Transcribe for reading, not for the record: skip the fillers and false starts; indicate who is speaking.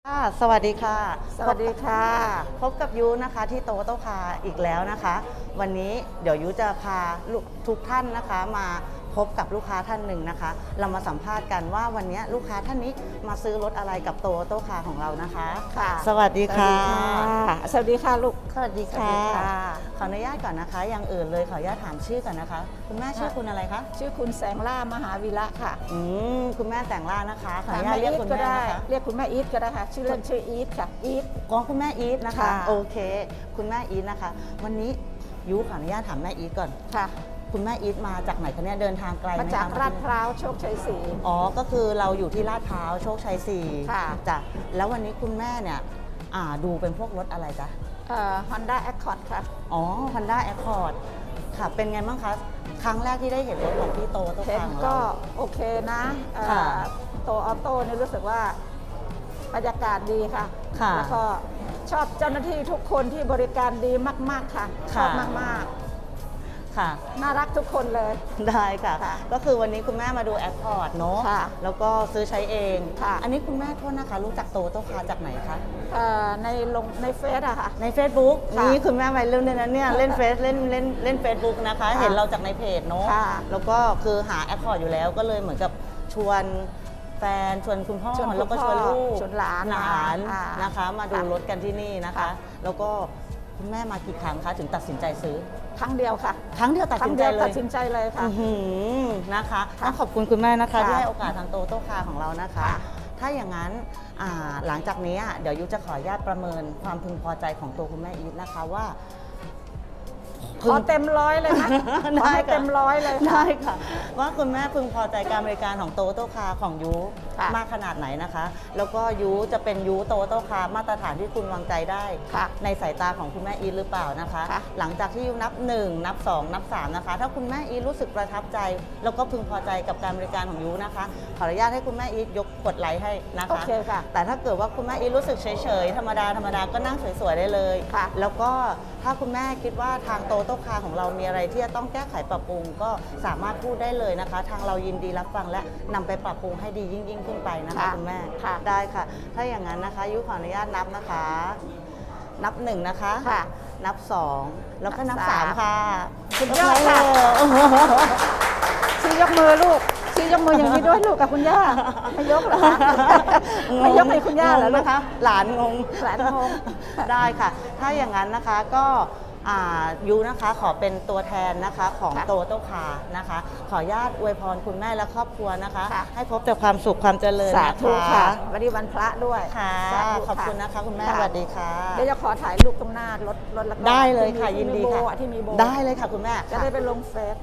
Speaker 1: สวัสดีค่ะ
Speaker 2: สวัสดีค่ะ
Speaker 1: พบกับยูนะคะที่โตโต้คาร์อีกแล้วนะคะ วันนี้เดี๋ยวยูจะพาทุกท่านนะคะมาพบกับลูกค้าท่านหนึ่งนะคะ เรามาสัมภาษณ์กันว่าวันนี้ลูกค้าท่านนี้มาซื้อรถอะไรกับโตโต้คาร์ของเรานะคะ
Speaker 2: ค่ะ
Speaker 1: สวัสดีค่ะ
Speaker 2: สวัสดีค่ะลูก
Speaker 1: สวัสดี
Speaker 2: สวัส
Speaker 1: ค่ะ
Speaker 2: ดีค่ะ
Speaker 1: ขออนุญาตก่อนนะคะอย่างอื่นเลยขออนุญาตถามชื่อก่อนนะคะ คุณแม่ชื่อคุณอะไรคะ
Speaker 2: ชื่อคุณแสงล่ามหาวีระค่ะ
Speaker 1: คุณแม่แต่งล่านะคะขออนุญา
Speaker 2: แม่
Speaker 1: ตเรียก
Speaker 2: อีท
Speaker 1: คุณ
Speaker 2: ก็
Speaker 1: แม่
Speaker 2: ได้
Speaker 1: นะคะ
Speaker 2: เรียกคุณแม่อีทก็ได้ค่ะ ชื่อเล่นชื่ออีทค่ะ อีท
Speaker 1: ก็คุณแม่อีทนะคะ
Speaker 2: ค่ะ
Speaker 1: โอเค คุณแม่อีทนะคะ วันนี้ยูขออนุญาตถามแม่อีทก่อน
Speaker 2: ค่ะ
Speaker 1: คุณแม่อีทมาจากไหนคะเนี่ยเดินทางไกลไหม
Speaker 2: มา
Speaker 1: คะ
Speaker 2: จากลาดพร้าวโชคชัยศรี
Speaker 1: อ๋อก็คือเราอยู่ที่ลาดพร้าวโชคชัย4
Speaker 2: ค่ะ
Speaker 1: จ้ะแล้ววันนี้คุณแม่เนี่ยดูเป็นพวกรถอะไรจ๊ะ
Speaker 2: Honda Accord ค่ะ
Speaker 1: อ๋อ Honda Accord ค่ะเป็นไงบ้างคะครั้งแรกที่ได้เห็นรถของพี่โตโต้
Speaker 2: เห็น
Speaker 1: คาร์ของ
Speaker 2: ก็
Speaker 1: เรา
Speaker 2: โอเคนะ
Speaker 1: ค่ะ
Speaker 2: ตัวออโต้นี่รู้สึกว่าบรรยากาศดีค่ะ
Speaker 1: ค่ะ
Speaker 2: แล้วก็ชอบเจ้าหน้าที่ทุกคนที่บริการดีมาก ๆ ค่ะ ชอบมาก
Speaker 1: ค่ะ
Speaker 2: ๆ น่ารักทุกคนเลย
Speaker 1: ได้ค่ะ
Speaker 2: ค่ะ
Speaker 1: ก็คือวันนี้คุณแม่มาดู Accord เนอะ
Speaker 2: ค่ะ
Speaker 1: แล้วก็ซื้อใช้เอง
Speaker 2: ค่ะ
Speaker 1: อันนี้คุณแม่โทษนะคะรู้จักโตโต้คาร์จากไหนคะ
Speaker 2: ในเฟซอะค่ะ
Speaker 1: ใน Facebook
Speaker 2: ค่ะ
Speaker 1: นี่คุณแม่วัยรุ่นเนี่ยนะเนี่ยเล่นเฟซเล่น Facebook นะคะ
Speaker 2: ค่ะ
Speaker 1: เห็นเราจากในเพจเนาะ
Speaker 2: ค่ะ
Speaker 1: แล้วก็คือหาแอคคอร์ดอยู่แล้วก็เลยเหมือนกับชวนแฟนชวนคุณพ่อ
Speaker 2: ชวนคุณ
Speaker 1: แล้วก็ชวนลูก
Speaker 2: ชวนหลาน
Speaker 1: นะคะ มาดู
Speaker 2: ค่ะ
Speaker 1: รถกันที่นี่นะคะ
Speaker 2: ค่ะ
Speaker 1: แล้วก็คุณแม่มากี่ครั้งคะถึงตัดสินใจซื้อ
Speaker 2: ครั้งเดียวค่ะ
Speaker 1: ครั้งเดียวตัด
Speaker 2: ครั้
Speaker 1: สิ
Speaker 2: ง
Speaker 1: น
Speaker 2: เดี
Speaker 1: ใจ
Speaker 2: ยว
Speaker 1: เล
Speaker 2: ตัด
Speaker 1: ย
Speaker 2: สินใจเลยค่ะ
Speaker 1: อื้อหือนะคะ
Speaker 2: ค่ะ
Speaker 1: ต้องขอบคุณคุณแม่นะคะ
Speaker 2: ค่ะ
Speaker 1: ที่ให้โอกาสทางโตโต้คาร์ของเรานะคะ
Speaker 2: ค่ะ
Speaker 1: ถ้าอย่างนั้นหลังจากนี้เดี๋ยวยุจะขออนุญาตประเมินความพึงพอใจของตัวคุณแม่อีทนะคะว่า
Speaker 2: ขอเต็มร้อยเลยนะขอให้เต็มร้อยเลยค่ะ
Speaker 1: ได้ค่ะ ว่าคุณแม่พึงพอใจการบริการของโตโต้คาร์ของยู
Speaker 2: ค่ะ
Speaker 1: มากขนาดไหนนะคะ แล้วก็ยูจะเป็นยูโตโต้คาร์มาตรฐานที่คุณวางใจได้
Speaker 2: ค่ะ
Speaker 1: ในสายตาของคุณแม่อีทหรือเปล่านะคะ
Speaker 2: ค่ะ
Speaker 1: หลังจากที่ยูนับ 1 นับ 2 นับ 3 นะคะ ถ้าคุณแม่อีทรู้สึกประทับใจ แล้วก็พึงพอใจกับการบริการของยูนะคะ ขออนุญาตให้คุณแม่อีทยกกดไลค์ให้นะคะ
Speaker 2: โอเคค่ะ
Speaker 1: แต่ถ้าเกิดว่าคุณแม่อีทรู้สึกเฉยๆธรรมดาก็นั่งสวยๆได้เลย
Speaker 2: ค่ะ
Speaker 1: แล้วก็ถ้าคุณแม่คิดว่าทางโตโต้คาร์ของเรามีอะไรที่จะต้องแก้ไขปรับปรุงก็สามารถพูดได้เลยนะคะ ทางเรายินดีรับฟังและนำไปปรับปรุงให้ดียิ่งขึ้นไปนะคะ
Speaker 2: ค่ะ
Speaker 1: คุณแม่
Speaker 2: ค่ะ
Speaker 1: ได้ค่ะ ถ้าอย่างนั้นนะคะยุขออนุญาตนับนะคะ นับ 1 นะคะ
Speaker 2: ค่ะ
Speaker 1: นับ 2 แล้วก็นับ
Speaker 2: นับ
Speaker 1: 3 ค่ะ
Speaker 2: สุดยอดค่ะ ชี้ยกมือลูกชี้ยกมืออย่างนี้ด้วยลูกกับคุณย่าไม่ยกเหรอคะไม่ยกให้คุณย่าเหรอลูก
Speaker 1: นะคะ หลานงง
Speaker 2: หลานงง
Speaker 1: ได้ค่ะ ถ้าอย่างนั้นนะคะก็ยูนะคะขอเป็นตัวแทนนะคะของ
Speaker 2: ค่ะ
Speaker 1: โตโต้คาร์นะคะ ขออนุญาตอวยพรคุณแม่และครอบครัวนะคะ
Speaker 2: ค่ะ
Speaker 1: ให้พบแต่ความสุขความเจริญ
Speaker 2: สา
Speaker 1: นะ
Speaker 2: ธุ
Speaker 1: คะ
Speaker 2: ค่ะวันนี้วันพระด้วย
Speaker 1: ค่ะ
Speaker 2: สาธุ
Speaker 1: ขอบคุณนะคะคุณแม่
Speaker 2: ะ
Speaker 1: สวัสดีค่ะ
Speaker 2: เดี๋ยวจะขอถ่ายรูปตรงหน้ารถแล้วก็
Speaker 1: ได้เลยค่ะ
Speaker 2: ที่มี
Speaker 1: ยินดี
Speaker 2: โบ
Speaker 1: ค่ะ
Speaker 2: อะที่มีโบ
Speaker 1: ได้เลยค่ะคุณแม่
Speaker 2: จะได้ไปลงเฟซ